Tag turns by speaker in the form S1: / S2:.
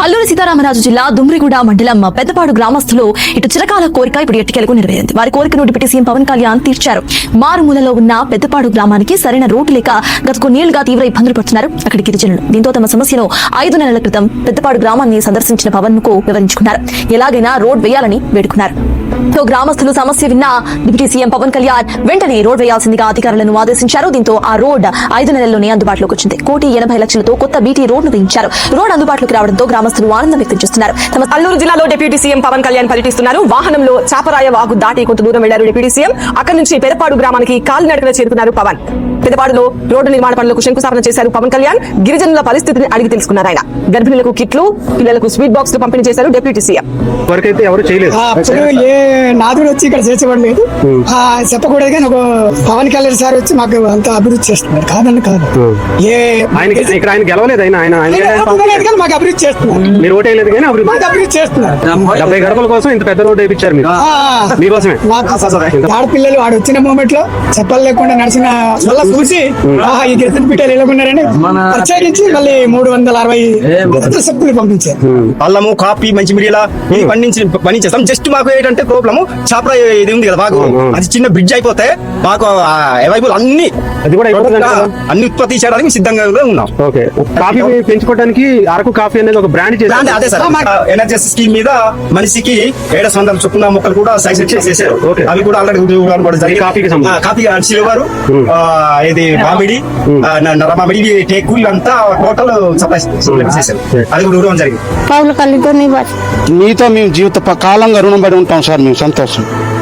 S1: అల్లూరి సీతారామరాజు జిల్లా దుమ్రిగూడ మండలం పెద్దపాడు గ్రామస్తులు ఇటు చిరకాల కోరిక ఇప్పుడు ఎట్టికెలకు నెరవేరింది. వారి కోరికను డిప్యూటీ సీఎం పవన్ కళ్యాణ్ తీర్చారు. మారుమూలలో ఉన్న పెద్దపాడు గ్రామానికి సరైన రోడ్డు లేక గత కొన్నేళ్లుగా తీవ్ర ఇబ్బందులు పడుతున్నారు అక్కడి గిరిజనులు. దీంతో తమ సమస్యను 5 నెలల క్రితం పెద్దపాడు గ్రామాన్ని సందర్శించిన పవన్ కు వివరించుకున్నారు. ఎలాగైనా రోడ్ వేయాలని వేడుకున్నారు. గ్రామస్తులు సమస్య విన్న డిప్యూటీ సీఎం పవన్ కళ్యాణ్ వెంటనే రోడ్ వేయాల్సిందిగా అధికారులను ఆదేశించారు. దీంతో ఆ రోడ్ 5 నెలల్లోనే అందుబాటులోకి వచ్చింది. 1,80,00,000తో కొత్త బీటీ రోడ్ను వేయించారు. రోడ్ అందుబాటులోకి రావడంతో గ్రామస్తులు ఆనందం వ్యక్తం చేస్తున్నారు.
S2: అల్లూరు జిల్లాలో డిప్యూటీ సీఎం పవన్ కళ్యాణ్ పర్యటిస్తున్నారు. వాహనంలో చాపరాయ వాగు దాటి కొంత దూరం వెళ్లారు డిప్యూటీ సీఎం. అక్కడి నుంచి పెదపాడు గ్రామానికి కాలినడకన చేరుకున్నారు పవన్. పెదపాడులో రోడ్డు నిర్మాణ పనులకు శంకుస్థాపన చేశారు పవన్ కళ్యాణ్. గిరిజనుల పరిస్థితిని అడిగి తెలుసుకున్నారు ఆయన. గర్భిణులకు కిట్లు, పిల్లలకు స్వీట్ బాక్స్ పంపిణీ చేశారు డిప్యూటీ సీఎం.
S3: నాదుడు వచ్చి ఇక్కడ చేసేవాడు చెప్పకూడదు కానీ ఒక పవన్ కళ్యాణ్ సార్ వచ్చి మాకు అంత అభివృద్ధి చేస్తున్నారు. కాదండి కాదు,
S4: ఆయన గెలవలేదు,
S3: మాకు అభివృద్ధి చేస్తున్నారు.
S4: మీరు ఓటు వేయలేదు కానీ
S3: అభివృద్ధి చేస్తున్నారు.
S4: 70 గడపల కోసం ఇంత పెద్ద రోడ్డు వేయించారు మీరు, మీకోసమే.
S3: ఆడపిల్లలు వాడు వచ్చిన మూమెంట్ లో చెప్పలు లేకుండా నడిచిన వల్ల చూసి ఈ గిరిజన పీఠాలు ఎలాగున్నారని ప్రత్యేకించి మళ్ళీ 360 సభ్యులు పంపించారు.
S5: అల్లము, కాఫీ, మంచి మిడియాల పండించేస్తాం. జస్ట్ మాకు ఏంటంటే ప్రాబ్లము చాపరా ఇది ఉంది కదా, మాకు అది చిన్న బ్రిడ్జ్ అయిపోతే మాకు అవైలబుల్ అన్ని ఉత్పత్తి చేయడానికి సిద్ధంగా ఉన్నాం.
S4: కాఫీ పెంచుకోవడానికి అరకు కాఫీ అనేది ఒక బ్రాండ్ చేశారు.
S5: అదే సార్, ఎనర్జీ స్కీమ్ మీద మనిషికి 700 చొప్పున మొక్కలు కూడా సైజ్ చేశారు. అవి కూడా ఆల్రెడీ కాఫీ సిల్వర్, ఇది మామిడి, నరమామిడి, టేకు అంతా టోటల్ సప్లై చేశారు. అది కూడా ఇవ్వడం జరిగింది.
S6: మీతో మేము జీవిత కాలంగా రుణపడి ఉంటాం సార్. మేము సంతోషం.